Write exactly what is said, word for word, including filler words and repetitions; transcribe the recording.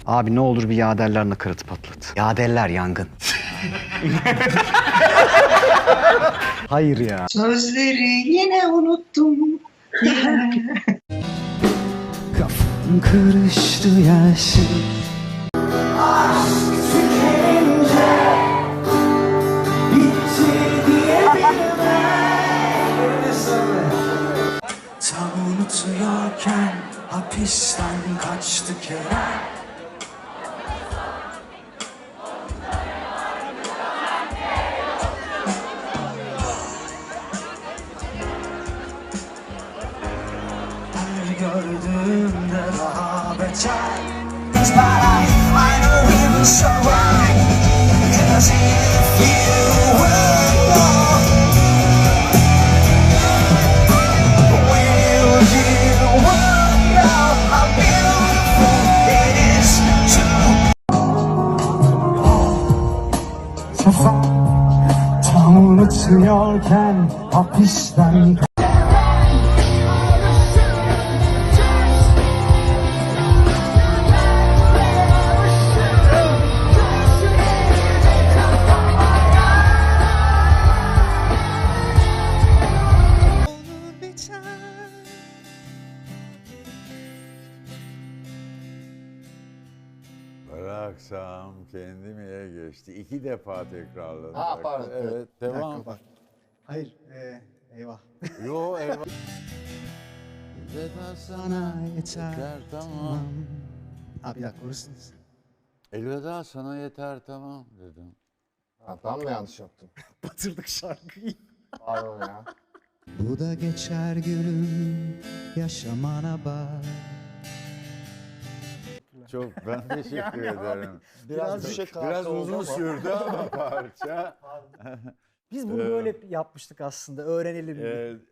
Abi ne olur bir yaderler nakaratı patlat. Yaderler yangın. Hayır ya. Sözleri yine unuttum. Kafam karıştı yersin. Tam unutuyorken hapisten kaçtı Kerem. Her gördüğümde daha beter. But I, I know we will survive. 'Cause if you were gone, will you wonder how beautiful it is to tam unutuyorken hapisten Bıraksam kendimiye geçti. İki defa tekrarladım. Ha, pardon. Evet, devam. Hayır, ee, eyvah. Yo eyvah. Elveda sana yeter tamam. Ha bir dakika, orasınız. Elveda sana yeter tamam dedim. Ha, ben mi yanlış yaptım? Batırdık şarkıyı. Pardon ya. Bu da geçer gülüm, yaşamana bak. Çok ben teşekkür ederim. Biraz düşük Biraz oldu uzun ama. sürdü ama parça. Biz bunu Ee, böyle yapmıştık aslında. Öğrenelim. Ee,